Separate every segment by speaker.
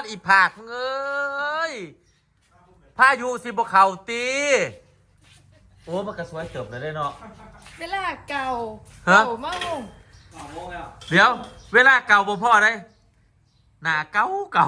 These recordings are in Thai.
Speaker 1: อีผากเอ้ยพายุสิบเขาตีโอ้มันกระสวยเติบเลยได้เนาะ
Speaker 2: เวลาเก่าเมา
Speaker 1: เดี๋ยวเวลาเก่าบ่พ่อได้หน้าเก่า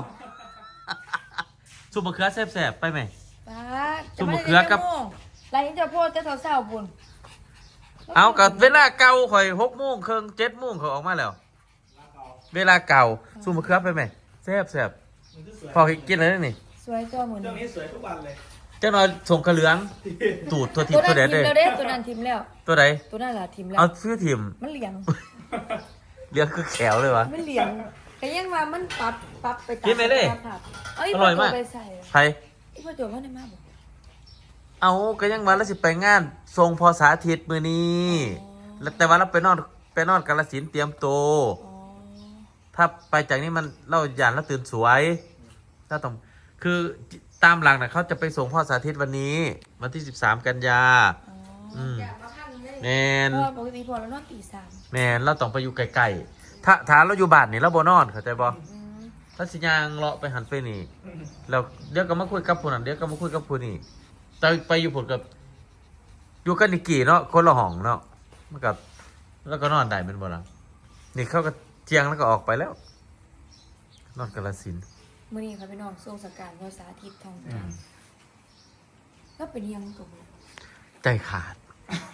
Speaker 1: ซุปมะเขือแซ่บๆไปไหมซุปมะเขือกับ
Speaker 2: ไรเจ้าพ่อจะเศร้าบุญ
Speaker 1: เอากับเวลาเก่าข่อย6:30 7:00เขาออกมาแล้วเวลาเก่าซุปมะเขือไปไหมแซ่บพอกินอะไรนี่
Speaker 2: สวยตัวเหมือน
Speaker 3: นี้สวยทุกวันเลย
Speaker 1: เจ้าน้อยส่งกระเหลืองตูดตัวทิมตัวเด็ดเลย
Speaker 2: ตัวนั้นทิมแล้ว
Speaker 1: ตัวไหน
Speaker 2: ตัวนั้นล่ะทิมแล้ว
Speaker 1: เอาซื้อทิม
Speaker 2: มันเหลียง
Speaker 1: เลี้ยงคือแขวเลยวะ
Speaker 2: มันเหลียงแต่ยังว่ามันปรับไป
Speaker 1: กินไหมเลยอร่อยมากใคร
Speaker 2: อีพ่อโจว่าได้มากบอก
Speaker 1: เอาก็ยังวันละ10ไปงานทรงพอสาธิตมือนี้แต่ว่าเราไปนอนกาฬสินธุ์เตรียมโตถ้าไปจากนี้มันเล่าหยานแล้วตื่นสวยถ้าต้องคือตามหลังนะเขาจะไปส่งพ่อสาธิตวันนี้วันที่13 กันยาแมน
Speaker 2: ปกติพอแล้วนอนตี 3
Speaker 1: แมนเราต้องไปอยู่ไกลๆถ้าเราอยู่บ้านนี่เราบ่นอนเข้าใจบ่ถ้าสิยางเลาะไปหันไปนี่แล้วเดี๋ยวก็มาคุยกับผู้นั้นเดี๋ยวก็มาคุยกับผู้นี้แต่ไปอยู่ผลกับอยู่กันนิกี่เนาะคนละห้องเนาะมันกับแล้วก็นอนได้เป็นบ่ล่ะนี่เขาก็เที่ยงแล้วก็ออกไปแล้วนอนกาฬสินธุ์
Speaker 2: มื่อนี้เขาไปนอนทรงสการภาษาทิศทองคำแล้วเป็นยังกับ
Speaker 1: ใจขาด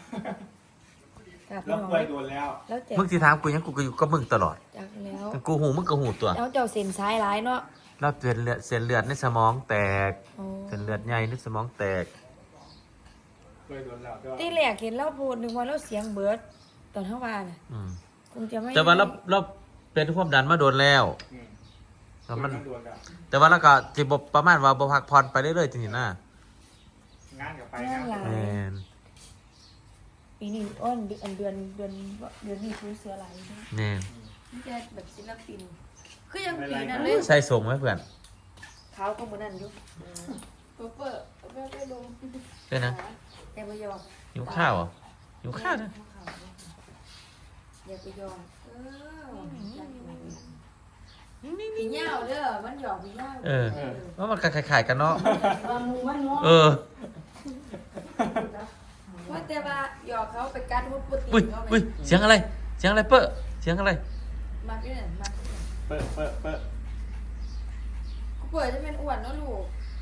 Speaker 3: แล้วเคยโดนแล้ว
Speaker 1: มึงที่ถามกูยังกูก็อยู่กับมึงตลอด
Speaker 2: จากแล้ว
Speaker 1: กูหูมึงก็หูตัว
Speaker 2: แล้วเจ้าเส้นซ้ายร้ายเนาะ
Speaker 1: แล้วเส้นเลือดในสมองแตกเส้นเลือดใหญ่ในสมองแตก
Speaker 3: เคยโดนแล้ว
Speaker 2: ที่แรกเห็นเล่าพูดนึกว่าเล่าเสียงเบิร์ดตอนเท่าว่าน่ะคงจะไม่
Speaker 1: แต่ว่าเราเป็นความดันมาโดนแล้วมันแต่ว่าแล้วก็จิบประมาณว่าบพักผ่อนไปเรื่อยๆจริงๆนะ
Speaker 3: งานกับไปงาน
Speaker 2: ปีนี้อ้นเดือนนี้คือเสือไหล
Speaker 1: นี่
Speaker 2: นี่จะแบบศิลปินคือยังปีนั้นเลย
Speaker 1: ใส่ส่งไหมเพื่อน
Speaker 2: เขาก็เหมือนนั่นอยู่เปิดไปลง
Speaker 1: ใช่นะ
Speaker 2: อย่าไปยอม
Speaker 1: หิวข้าวเหรอหิวข้าวนะ
Speaker 2: อย่าไปยอมผีเงาเด้อมันหยอกผีเงา
Speaker 1: ว่ามันขายกันเนาะ
Speaker 2: ว่าแต่ว่าหยอกเขาไปกัดมุดปุ๊บ
Speaker 1: อุ้ยเสียงอะไรเปิ้ลเสียงอะไร
Speaker 2: มาที่ไหนมา
Speaker 3: เปิ้ล
Speaker 2: กูเปิดจะเป็นอ้วนเนาะลูก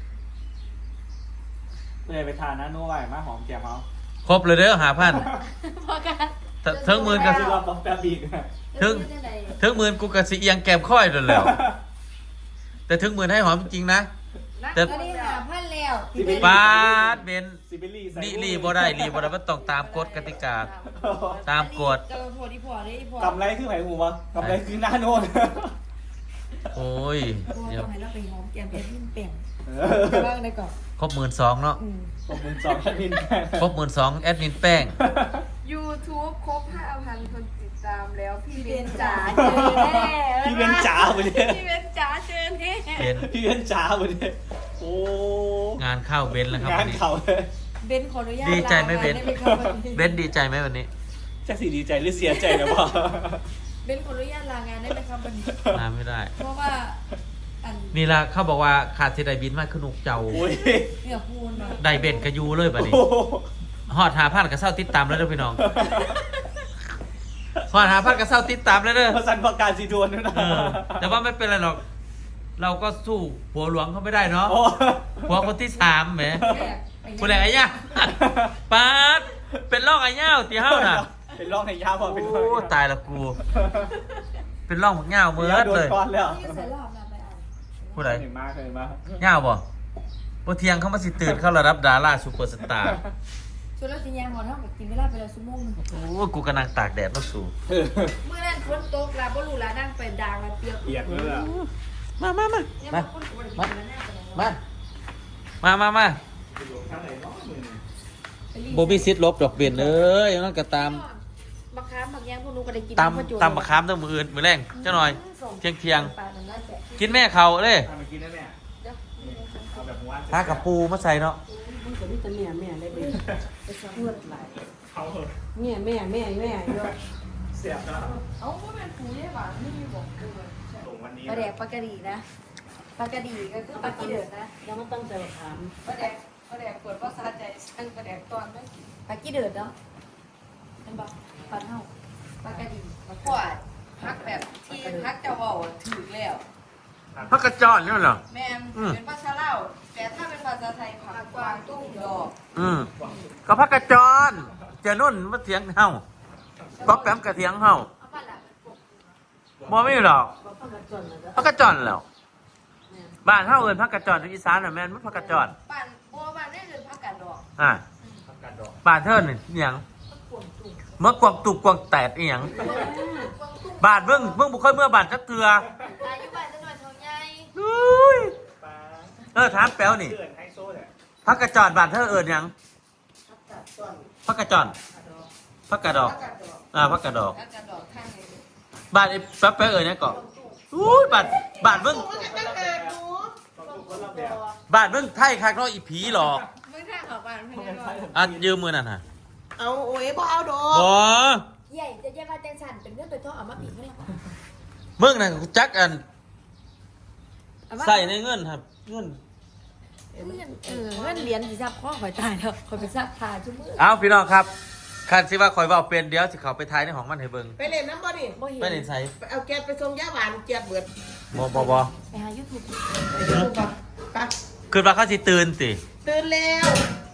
Speaker 3: เลยไปทานนะนู้ไหวมาหอมแก้มเขา
Speaker 1: ครบเลยเด้อ5,000
Speaker 2: พอกัน
Speaker 1: เทิงหมื่นกับ
Speaker 3: ซื้อรอบต้องแป๊บอีก
Speaker 1: เทิงหมื่นกูกับสิเอียงแก้มค่อยโดนแล้วแต่เทิงหมื่นให้หอมจริงนะ
Speaker 2: แต่ตอนนี้5,000แล้ว
Speaker 1: บาทเบนรีบ่ได้มันต้องตามกฎกติกาตามกฎ
Speaker 3: กำไรคือไผ่หูวะกำไรคือหน้าโน่น
Speaker 1: โอ้ย
Speaker 2: เดี๋ยวให้เราไปหอมแก้มเพชรยิ่งเปลี่ยนบ้างได้ก่อน
Speaker 1: ครบ12,000เนาะ
Speaker 3: ครบ12,000แอดมินแป้ง
Speaker 1: ครบ12,000แอดมินแป้ง
Speaker 2: YouTube ครบ 5,000 คนติดตามแล้วพี่เบนจ๋าเจอแน่
Speaker 3: พี่เบนจ๋าไปเลย
Speaker 2: พี่เบนจ๋าเจอแน่
Speaker 3: พี่เบนจ๋าไปเลยโอ้
Speaker 1: งานเข้าเบนแล้วครับ
Speaker 3: งานเข้าเลย
Speaker 2: เบนขออนุญาต
Speaker 1: ดีใจไหมเบนดีใจไหมวันนี้
Speaker 3: จะสิดีใจหรือเสียใจนะพ่อ
Speaker 2: เบนขออนุญาตลางานได้ไหมครับวันนี้
Speaker 1: ลาไม่ได้
Speaker 2: เพราะว่า
Speaker 1: นี่ละเขาบอกว่าขาดเสด็จบินมากขึ้นนุกเจ้า
Speaker 2: เนี่ยพูน
Speaker 1: ได้เบนกระยูเลยแบบนี้หอด5,000กับเศร้าติดตามแล้วเด้อพี่น้องหอด5,000กับเศร้าติดตามแล้วเด้อ
Speaker 3: สันประกาศสีดวนนะ
Speaker 1: แต่ว่าไม่เป็นไรหรอกเราก็สู้ผัวหลวงเขาไม่ได้เนาะผัวคนที่3แหมผู้แหล่ไอ้ย่าป๊าดเป็นร่องไอ้ย่าตีเฮ้าน่ะ
Speaker 3: เป็นร่องไอ้ย่าพอเป็น
Speaker 1: โอ้ตายละกูเป็นร่องเงาเมื่อเลยผู้ใดเงาบ่บ่เที่ยงเขามาสิตื่นเข้าระดับดาราซูเปอร์สตาร์
Speaker 2: ชวนเราสิยังหมดเท่ากับกินเวลาไปแล้วชั่วโมงนึง
Speaker 1: โอ้กูกำลังตากแดดมาสู่
Speaker 2: เมื่อนั้นฝนตกแล้วบ่รู้ละนั่งไปด่างแล้วเปียก
Speaker 3: เลยอ่ะ
Speaker 1: มาโบบี้ซิดลบดอกเบี้ยเลยนั่นก็ตาม
Speaker 2: มะขามบางอย่างพวกนู้ก็ได้กิน
Speaker 1: ตามมะขามต้องมืออื่นมือแรงเจ้าหน่อยเที่ยงกินแม่เขาเลยถ้ากับปูมาใส่เนาะ
Speaker 4: มันก็มีแต่แม่ได้เป็นเลือดไหลแม่เยอะ
Speaker 3: เสียบนะ
Speaker 2: เอาก็เป็นปูได้หวานไม่มีบอกเลย
Speaker 3: วันนี้
Speaker 2: ปลาแดกปลากระดีนะปลากระดีก็คือปลากีเดือดนะ
Speaker 4: ยังไม่ต้องใจถาม
Speaker 2: ปลาแดกปวดภาษาใจสั่งปลาแดกตอนไม่ปลากีเดือดเนาะเป็นปลาปลาเท่าปลากระดีปวดพักแบบที่พักจะบอกถือแล้ว
Speaker 1: พักกระจอนเนี่ยเหรอ
Speaker 2: แม่เป็นภาษาลาวแต่ถ้าเป็นภาษาไทยผักกวางตุ้งดอก
Speaker 1: ก็พักกระจอนเจนุ่นมาเถียงเฮาป๊อปแปมกระเถียงเฮา
Speaker 2: เอาปลาหลัก
Speaker 1: บ่มีหรอก
Speaker 4: บอกพักกระจนเลย
Speaker 1: พักกระจอนแล้วบ้านเฮาเอิ้นพักกระจอนที่อีสานน่ะแม่นมันพักกระจอน
Speaker 2: ปานบัวบานได้เงินผักกาดดอก
Speaker 1: บ้านเธอนี่อิหยังเมื่อกวางตุกกวางแตดอีหยังบ้านเบิ่งบ่ค่อยเมื่อบ้านจักเทื่อ
Speaker 2: อายุบ้านจะหน่อยเท่าใหญ่
Speaker 1: อุ้ย
Speaker 3: ปลา
Speaker 1: ถามแป๊วนี่
Speaker 3: เกินไฮโซเนี่ย
Speaker 1: พักกระจอนบ้านเธอเอิ้นหยังพักกระจอนพักกระดอกพักกระดอก
Speaker 2: ผักกาดดอกข้างนี้
Speaker 1: บ้านไอ้แป๊บเอิ้นหยังก่อนอุ้ยบ้านเบิ่ง
Speaker 3: ต้องทุกคนรับแบบ
Speaker 1: บ้านเบิ่งไทยคักเนาะอีผีหลอก
Speaker 2: ไม่ท่าเขาบ้านไม่ได้หรอก
Speaker 1: อ่ะยืมมือนั่นน่ะ
Speaker 4: เอาโอ้ยบ่เอาดอ
Speaker 1: บ่
Speaker 2: ใหญ่จะแยกมาแตงสันเป็นเรื่องเป็นท่อเอามาปีกให้เรา
Speaker 1: มึงน่ะจักอันใส่ในเงินครับเงิน
Speaker 2: เงินเหรียญสิซับข้อข่อยตายแล้วข่อยไปซักผ้าชุ่มมือ
Speaker 1: เอาพี่น้องครับคันสิว่าข่อยเว้าเป็นเดี๋ยวสิเขาไปทายในห้องมันให้เบิ่ง
Speaker 4: ไปเล่นน้ำบ่ดิ
Speaker 2: บ่เห็น
Speaker 1: ไปเล่นไส
Speaker 4: ไปเอาแก๊สไปส่งยาหวานเจี๊ยบเบิด
Speaker 1: บ่
Speaker 2: ไปหายูทูบ
Speaker 4: ไปดูป่ะไป
Speaker 1: คือว่าเขาสิตื่นติ
Speaker 4: ตื่นแล้ว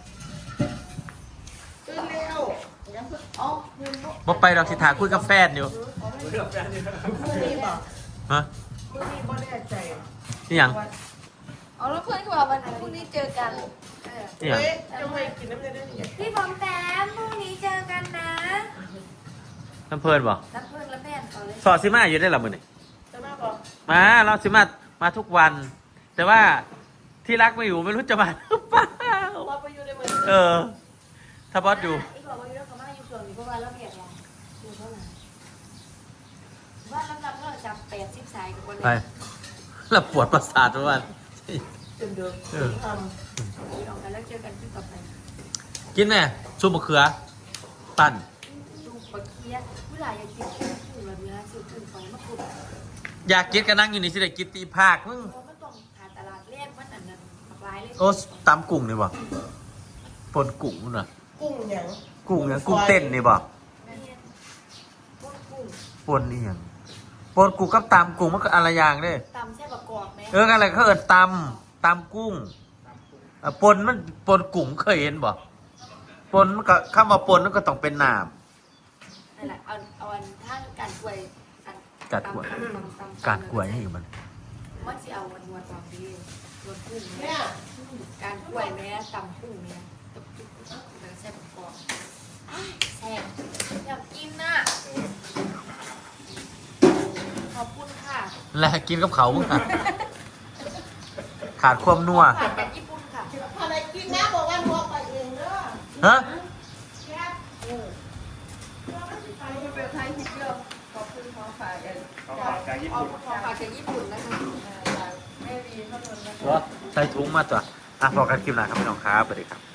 Speaker 4: ตื่นแล้ว
Speaker 2: อ๋อเงินบ่
Speaker 1: บ่ไปดอกสิถาคุยกับแฟนอยู่
Speaker 3: เรื่องแฟนนี่นะ
Speaker 4: มื้อนี้บ่
Speaker 1: ฮะ
Speaker 4: มื้อนี้บ่แน่ใจ
Speaker 1: นี่หยัง
Speaker 2: เอาแล้วเพื่อนเขาบอกวันพรุ่งนี้เจอกัน
Speaker 1: นี่หยัง
Speaker 4: เฮ้ยจะไม่กินน้ำเนยได้ยัง
Speaker 2: พี่บอมแต้มพรุ่งนี้เจอกันนะ
Speaker 1: น้ำเพิ่นบ่
Speaker 2: นับเพื่อนและแม่เขาเลย
Speaker 1: สอดสิมาอยู่ได้ล่ะมื้อนี้
Speaker 4: จะมาบ่
Speaker 1: มาเราสิมาทุกวัน แต่ว่าที่รักไม่อยู่ไม่รู้จะมาหรือเปล่า
Speaker 4: บ่ไปอยู่ในมือ
Speaker 1: ถ้าบอสอยู่
Speaker 2: อีกบอกว่าอยู่แล้วเขามาอยู่ส่วนนี้เพราะว่าเราเรียกเราอยู่เท่าไหร่ว่าลำดับเราจับ80สายกับคน
Speaker 1: ไป
Speaker 2: นี้
Speaker 1: แล้วปวดประสาททุกวัน
Speaker 4: จนเดือด
Speaker 1: เออ
Speaker 4: ท
Speaker 2: ออกกันแล้วเจอกันที่ต่อไป
Speaker 1: กินไหมซุปมะเขือ ปั่น
Speaker 2: ดูปลาเคี้ยผู้หลายอยากกินกุ้งแบบนี้ซื้อกุ้งไปมาขุด
Speaker 1: อยากกินก็นั่งอยู่นี่สิได้กินตีภาคมึง
Speaker 2: เพราะมันต้องหาตลาดแรกมันอันนั้นหลากหลายเลย
Speaker 1: โอ้ตำกุ้งนี่บ่ปนกุ้งนู่นน่ะ
Speaker 4: ำกุ้งหยัง
Speaker 1: กุ้งหยังกุ้งเต้นนี่บ่
Speaker 2: แม่เนี่ยพวกกุ้ง
Speaker 1: ปนนี่หยังปนกุ้งกับตำกุ้งมันก็อะไรอย่างเด้
Speaker 2: ตำแซ่บประกอบไหม
Speaker 1: อะไรเขาเอิ้นตำกุ้งปนมันปนกุ้งเคยเห็นบ่ปนมันก็คำว่าปนมันก็ต้องเป็นน้ำ
Speaker 2: นั่นแหละเอาอันท่านการกล้วยอัน
Speaker 1: การกล้วย
Speaker 2: ตำ
Speaker 1: การกล้วยนี่มัน
Speaker 2: มันจะเอาวันวันตอนนี้วันกุ้ง
Speaker 4: เนี่ย
Speaker 2: การกล้วยแม่ตำกุ้งเนี่ยแล้วแซ่บประกอบแซ่บอยากกินน่ะขอบคุณค่ะ
Speaker 1: แล้วกินกับเขามึงอะขาดความนัว
Speaker 2: ผ่านจากญี่ปุ่นค่ะ
Speaker 4: อะไรกินนะบอกว่านัวไปเองเด้อ
Speaker 1: ฮะ
Speaker 2: เป็นไทยที่เยอะขอบคุณของฝากกัน
Speaker 3: เขาฝากจากญี่
Speaker 2: เอา
Speaker 3: ปุ่น
Speaker 2: ของฝากจากญี่ปุ่นนะคะแม่วีเท่านั้นนะคะ
Speaker 1: ใส่ถุงมาตัวอ่ะพอกันคลิปหน้าครับพี่น้องครับสวัสดีครับ